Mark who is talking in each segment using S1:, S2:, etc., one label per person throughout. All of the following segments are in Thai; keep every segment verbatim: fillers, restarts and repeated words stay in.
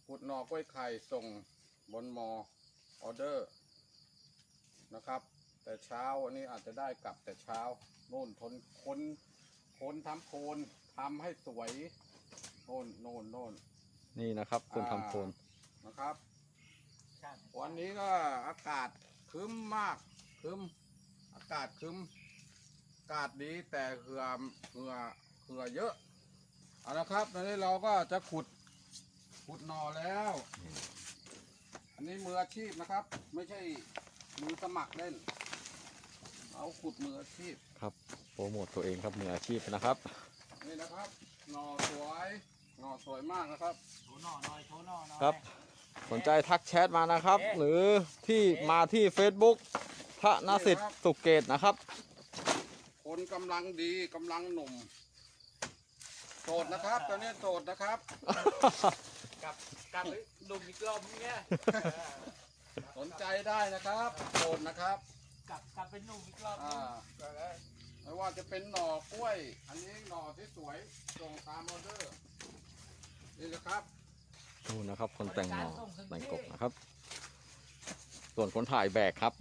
S1: ขุดหน่อกล้วยไข่ส่งบนมอออเดอร์นะครับแต่เช้าวันนี้อาจจะได้กลับแต่เช้าโน่นทนคนคนทำโคนทำให้สวยโน่นโน่นโน่น
S2: นี่นะครับคนทำโคน
S1: นะครับ วันนี้ก็อากาศครึ้มมากครึ้มอากาศครึ้มอากาศดีแต่เหือเหือเหือเยอะเอาละครับตอนนี้เราก็จะขุดขุดหน่อแล้ว อันนี้มืออาชีพนะครับ ไม่ใช่มือสมัครเล่นเอาขุดมืออาชีพ
S2: ครับโปรโมทตัวเองครับมืออาชีพนะครับ
S1: นี่นะครับหน่อสวยหน่อสวยมากนะครับ
S3: โชว์หน่อหน่อยโชว์หน่อหน่อย
S2: ครับสนใจทักแชทมานะครับ หรือที่มาที่ Facebook ธนสิทธิ์สุเกตนะครับ
S1: คนกำลังดีกำลังหนุ่มโสดนะครับตอนนี้โสดนะครับ
S3: กลับกลับไปลุมอีกรอบเนี้ย
S1: สนใจได้นะครับโสดนะครับ
S3: กลับกลับไปหนุ่มอีกรอบ
S1: อ่าไม่ว่าจะเป็นหน่อกล้วย อันนี้หน่อที่สวยส่งตามออเดอร์นี่นะครับ
S2: นู่นนะครับคนแต่งหน่อแต่งกบนะครับ ส่วนคนถ่ายแบกครับ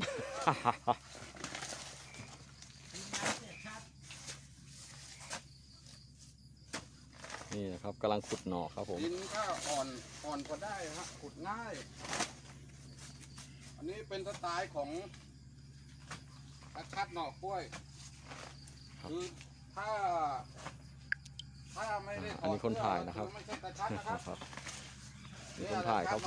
S2: นี่นะครับกำลังขุดหน่อครับผม
S1: ดินก็อ่อนอ่อนก็ได้ฮะขุดง่าย อันนี้เป็นสไตล์ของอาชัดหน่อกล้วย คือถ้า ถ้าไม่ได้ถ
S2: อัน
S1: อด
S2: นี้คนถ่ายนะครับ
S1: ไม่ใช่ตาชัดนะครับ
S2: ครับนี่คนถ่ายครับผม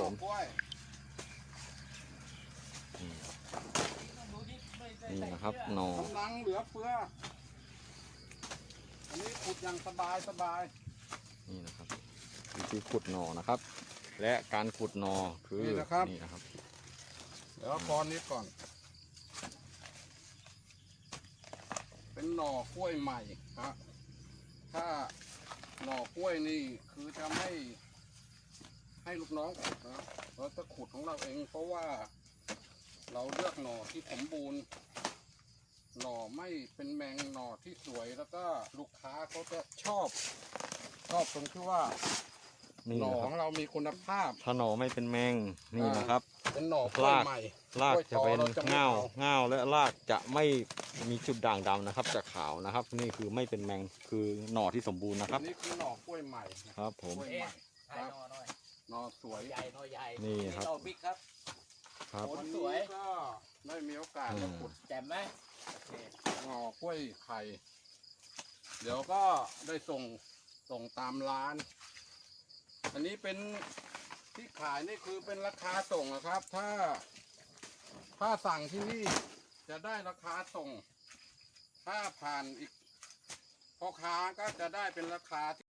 S2: นี่นะครับหน่อก
S1: ำลังเหลือเฟือ อันนี้ขุดอย่างสบายสบาย
S2: นี่นะครับวิธีขุดหน่อนะครับ และการขุดหน่อคือ
S1: นี่นะครับ
S2: นี่นะครับ
S1: เดี๋ยวก้อนนี้ก่อน เป็นหน่อกล้วยใหม่ฮะถ้าหน่อกล้วยนี่คือจะไม่ให้ลูกน้องขุดนะเราจะขุดของเราเอง เพราะว่าเราเลือกหน่อที่สมบูรณ์ หน่อไม่เป็นแมงหน่อที่สวยแล้วก็ลูกค้าเขาจะชอบ ชอบตรงที่ว่า
S2: นี่
S1: หน่อ
S2: นะค
S1: ข
S2: รับ
S1: องเรามีคุณภาพ
S2: ถ้าหน่อไม่เป็นแมงนี่นะครับ
S1: เป็นหน่อกล้วย
S2: ราก
S1: ใหม่
S2: รากจะเป็น
S1: กล้วยตอรไม่
S2: เง่า
S1: อ
S2: เง่าและรากจะไม่มีจุดด่างดำนะครับ จะขาวนะครับ นี่คือไม่เป็นแมงคือหน่อที่สมบูรณ์นะครับ
S1: อันนี้คือหน่อกล้วยใหม่นะครับ
S2: ผม
S1: กล้วย
S3: เอ๊ะ
S1: ใหม่
S3: ถ่ายหน่อหน่อย
S1: หน่อสวย
S3: ใหญ่หน่อใหญ่
S2: นี่ครับ
S3: หน่อบิ๊กครับ
S2: ครับ
S1: วัน
S3: สวย
S1: นี้ก็ได้มีโอกาส
S2: อืม
S1: มาขุด
S3: แจ่มไหมโอเค
S1: หน่อกล้วยไข่ เดี๋ยวก็ได้ส่งส่งตามร้าน อันนี้เป็นที่ขายนี่คือเป็นราคาส่งนะครับ ถ้า ถ้าสั่งที่นี่จะได้ราคาส่ง ถ้าผ่านอีกพ่อค้าก็จะได้เป็นราคาที่